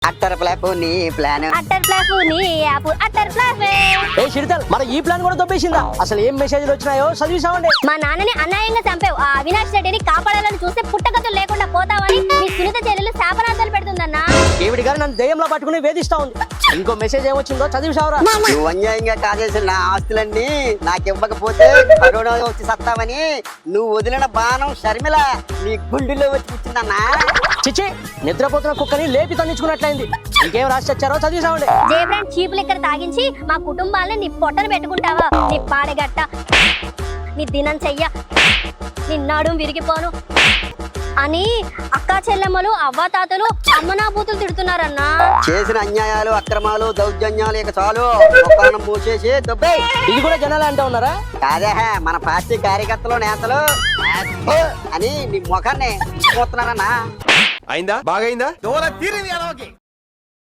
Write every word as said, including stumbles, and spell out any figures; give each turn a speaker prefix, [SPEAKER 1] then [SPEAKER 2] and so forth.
[SPEAKER 1] Utter flop నీ plan
[SPEAKER 2] utter flop నీ app utter ప్లాఫే.
[SPEAKER 3] ఏ చిరుతల్ మన ఈ ప్లాన్ కూడా దొబ్బేసిందా? అసలు ఏం మెసేజ్లు వచ్చినాయో చదివిసామండి.
[SPEAKER 2] మా నాన్నని అన్యాయంగా చంపావు. ఆ అవినాష్ రెడ్డిని కాపాడాలని చూస్తే పుట్టగతులు లేకుండా పోతావని మీ సునీత చెల్లెలు శాపనార్థాలు పెడుతుందన్నా.
[SPEAKER 3] ఈవిడి గారు నన్ను దెయ్యంలో పట్టుకుని వేధిస్తా ఉంది. ఇంకో మెసేజ్ ఏమొచ్చిందో చదివిసావరా?
[SPEAKER 1] నువ్వు అన్యాయంగా కాజేసిన నా ఆస్తులన్నీ నాకు ఇవ్వకపోతే కరోనా వచ్చి సత్తావని నువ్వు వదిలిన బాణం షర్మిల నీ గుండెల్లో వచ్చి కూర్చుందన్నా.
[SPEAKER 3] చిచ్చి, నిద్రపోతున్న కుక్కని లేపి తన్నించుకున్నట్లయింది. ఇంకేం రాసి వచ్చారో చదివిసామండి.
[SPEAKER 2] జయబ్రాండ్ చీపులు ఇక్కడ తాగించి మా కుటుంబాలని నీ పొట్టను పెట్టుకుంటావా? నీ పాడెగట్ట, నీ దినం చెయ్య, నీ నడుం విరిగిపోను అని అక్కా చెల్లెమ్మలు అవ్వాతాతలు అమ్మనాబూతులు తిడుతున్నారన్నా.
[SPEAKER 1] చేసిన అన్యాయాలు అక్రమాలు దౌర్జన్యాలు ఇక చాలు ఒక్కనం మూసేసి దుబ్బే.
[SPEAKER 3] ఇది కూడా జనాలే అంటూ ఉన్నారా?
[SPEAKER 1] కాదే మన పార్టీ కార్యకర్తలు నేతలు అని నీ ముఖాన్ని చూస్తున్నారన్నా.
[SPEAKER 4] అయిందా? బాగైందా?